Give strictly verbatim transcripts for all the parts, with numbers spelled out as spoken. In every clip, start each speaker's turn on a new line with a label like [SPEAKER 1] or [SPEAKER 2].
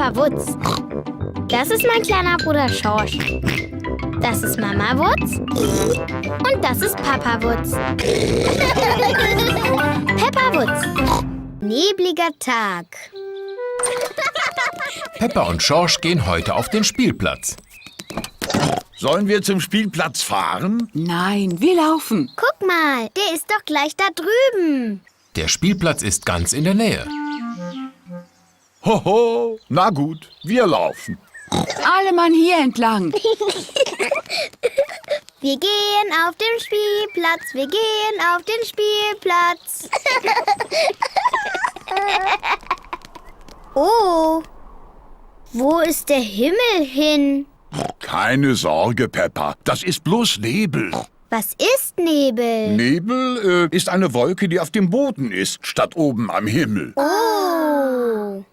[SPEAKER 1] Papa Wutz. Das ist mein kleiner Bruder Schorsch. Das ist Mama Wutz. Und das ist Papa Wutz. Peppa Wutz. Nebliger Tag.
[SPEAKER 2] Peppa und Schorsch gehen heute auf den Spielplatz.
[SPEAKER 3] Sollen wir zum Spielplatz fahren?
[SPEAKER 4] Nein, wir laufen.
[SPEAKER 1] Guck mal, der ist doch gleich da drüben.
[SPEAKER 2] Der Spielplatz ist ganz in der Nähe.
[SPEAKER 3] Hoho, na gut, wir laufen.
[SPEAKER 4] Alle Mann hier entlang.
[SPEAKER 1] Wir gehen auf den Spielplatz, wir gehen auf den Spielplatz. Oh, wo ist der Himmel hin?
[SPEAKER 3] Keine Sorge, Peppa, das ist bloß Nebel.
[SPEAKER 1] Was ist Nebel?
[SPEAKER 3] Nebel äh, ist eine Wolke, die auf dem Boden ist, statt oben am Himmel.
[SPEAKER 1] Oh.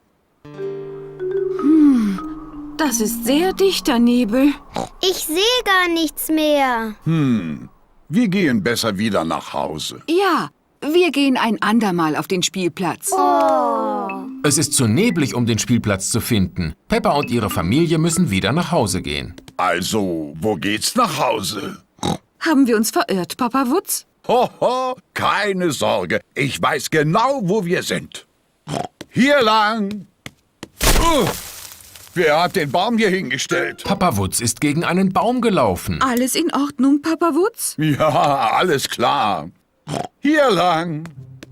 [SPEAKER 4] Das ist sehr dichter Nebel.
[SPEAKER 1] Ich sehe gar nichts mehr.
[SPEAKER 3] Hm, wir gehen besser wieder nach Hause.
[SPEAKER 4] Ja, wir gehen ein andermal auf den Spielplatz.
[SPEAKER 1] Oh.
[SPEAKER 2] Es ist zu neblig, um den Spielplatz zu finden. Peppa und ihre Familie müssen wieder nach Hause gehen.
[SPEAKER 3] Also, wo geht's nach Hause?
[SPEAKER 4] Haben wir uns verirrt, Papa Wutz?
[SPEAKER 3] Hoho, keine Sorge, ich weiß genau, wo wir sind. Hier lang. Uh, wer hat den Baum hier hingestellt?
[SPEAKER 2] Papa Wutz ist gegen einen Baum gelaufen.
[SPEAKER 4] Alles in Ordnung, Papa Wutz?
[SPEAKER 3] Ja, alles klar. Hier lang.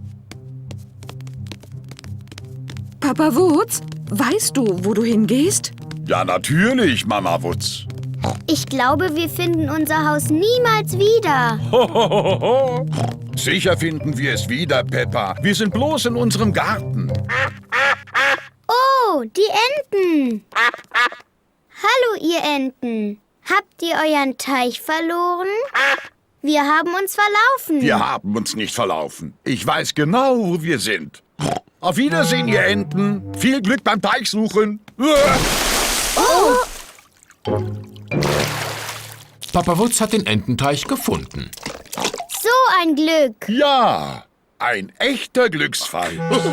[SPEAKER 4] Papa Wutz, weißt du, wo du hingehst?
[SPEAKER 3] Ja, natürlich, Mama Wutz.
[SPEAKER 1] Ich glaube, wir finden unser Haus niemals wieder.
[SPEAKER 3] Hohohoho. Sicher finden wir es wieder, Peppa. Wir sind bloß in unserem Garten.
[SPEAKER 1] Oh, die Enten. Hallo, ihr Enten. Habt ihr euren Teich verloren? Wir haben uns verlaufen.
[SPEAKER 3] Wir haben uns nicht verlaufen. Ich weiß genau, wo wir sind. Auf Wiedersehen, ihr Enten. Viel Glück beim Teichsuchen.
[SPEAKER 1] Oh,
[SPEAKER 2] Papa Wutz hat den Ententeich gefunden.
[SPEAKER 1] so ein Glück.
[SPEAKER 3] Ja, ein echter Glücksfall.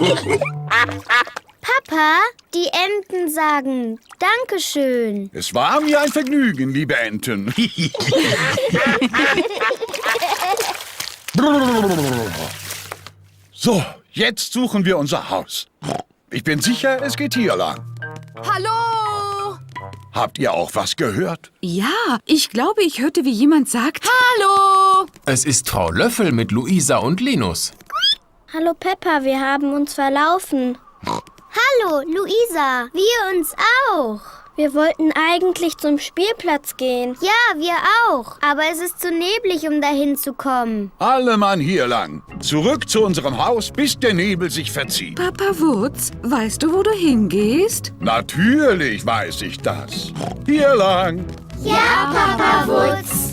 [SPEAKER 1] Papa, die Enten sagen Dankeschön.
[SPEAKER 3] Es war mir ein Vergnügen, liebe Enten. So, jetzt suchen wir unser Haus. Ich bin sicher, es geht hier lang.
[SPEAKER 4] Hallo!
[SPEAKER 3] Habt ihr auch was gehört?
[SPEAKER 4] Ja, ich glaube, ich hörte, wie jemand sagt, Hallo!
[SPEAKER 2] Es ist Frau Löffel mit Luisa und Linus.
[SPEAKER 1] Hallo Peppa, wir haben uns verlaufen. Hallo Luisa, wir uns auch. Wir wollten eigentlich zum Spielplatz gehen. Ja, wir auch. Aber es ist zu neblig, um dahin zu kommen.
[SPEAKER 3] Alle Mann hier lang. Zurück zu unserem Haus, bis der Nebel sich verzieht.
[SPEAKER 4] Papa Wutz, weißt du, wo du hingehst?
[SPEAKER 3] Natürlich weiß ich das. Hier lang.
[SPEAKER 1] Ja, Papa Wutz.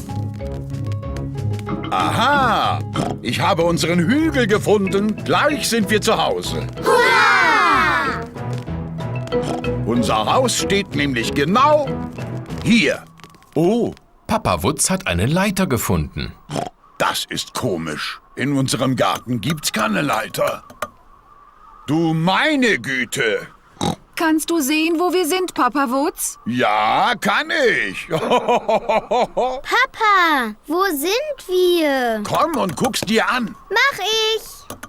[SPEAKER 3] Aha, ich habe unseren Hügel gefunden. Gleich sind wir zu Hause.
[SPEAKER 1] Hurra!
[SPEAKER 3] Unser Haus steht nämlich genau hier. Oh,
[SPEAKER 2] Papa Wutz hat eine Leiter gefunden.
[SPEAKER 3] das ist komisch. In unserem Garten gibt's keine Leiter. Du meine Güte.
[SPEAKER 4] Kannst du sehen, wo wir sind, Papa Wutz?
[SPEAKER 3] Ja, kann ich.
[SPEAKER 1] Papa, wo sind wir?
[SPEAKER 3] Komm und guck's dir an.
[SPEAKER 1] Mach ich.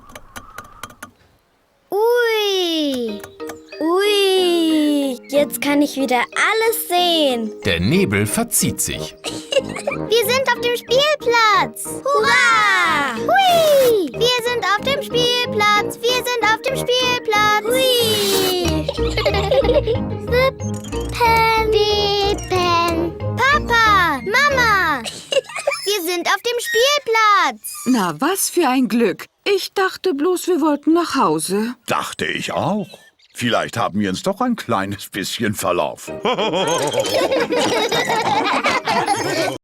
[SPEAKER 1] Ui. Ui. Jetzt kann ich wieder alles sehen.
[SPEAKER 2] Der Nebel verzieht sich.
[SPEAKER 1] Wir sind auf dem Spielplatz. Hurra! Hui! Wir sind auf dem Spielplatz. Wir sind auf dem Spielplatz. Hui! Wippen, wippen. Papa, Mama, wir sind auf dem Spielplatz.
[SPEAKER 4] Na, was für ein Glück. Ich dachte bloß, wir wollten nach Hause.
[SPEAKER 3] Dachte ich auch. Vielleicht haben wir uns doch ein kleines bisschen verlaufen.